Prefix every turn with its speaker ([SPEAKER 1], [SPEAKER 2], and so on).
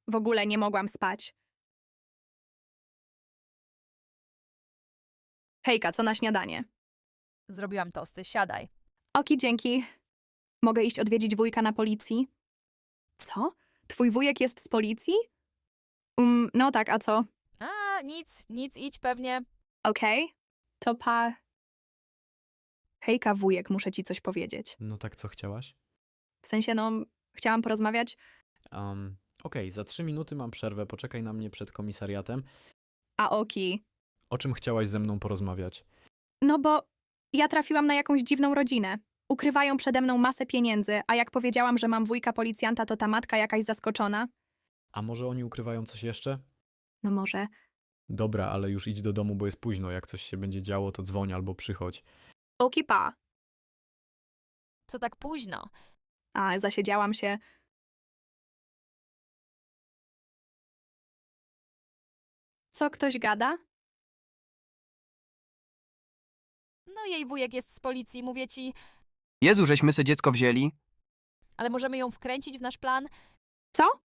[SPEAKER 1] W ogóle nie mogłam spać. Hejka, co na śniadanie?
[SPEAKER 2] Zrobiłam tosty, siadaj.
[SPEAKER 1] Oki, dzięki. Mogę iść odwiedzić wujka na policji? Co? Twój wujek jest z policji? No tak, a co?
[SPEAKER 2] A, nic, idź pewnie.
[SPEAKER 1] Okej. To pa... Hejka, wujek, muszę ci coś powiedzieć.
[SPEAKER 3] No tak, co chciałaś?
[SPEAKER 1] W sensie, chciałam porozmawiać.
[SPEAKER 3] Okej, za 3 minuty mam przerwę, poczekaj na mnie przed komisariatem.
[SPEAKER 1] A Oki?
[SPEAKER 3] O czym chciałaś ze mną porozmawiać?
[SPEAKER 1] No bo ja trafiłam na jakąś dziwną rodzinę. Ukrywają przede mną masę pieniędzy, a jak powiedziałam, że mam wujka policjanta, to ta matka jakaś zaskoczona.
[SPEAKER 3] A może oni ukrywają coś jeszcze?
[SPEAKER 1] No może.
[SPEAKER 3] Dobra, ale już idź do domu, bo jest późno. Jak coś się będzie działo, to dzwoń albo przychodź.
[SPEAKER 1] Oki, pa.
[SPEAKER 2] Co tak późno?
[SPEAKER 1] A, zasiedziałam się. Co, ktoś gada?
[SPEAKER 2] No jej wujek jest z policji, mówię ci,
[SPEAKER 4] Jezu, żeśmy se dziecko wzięli.
[SPEAKER 2] ale możemy ją wkręcić w nasz plan?
[SPEAKER 1] Co?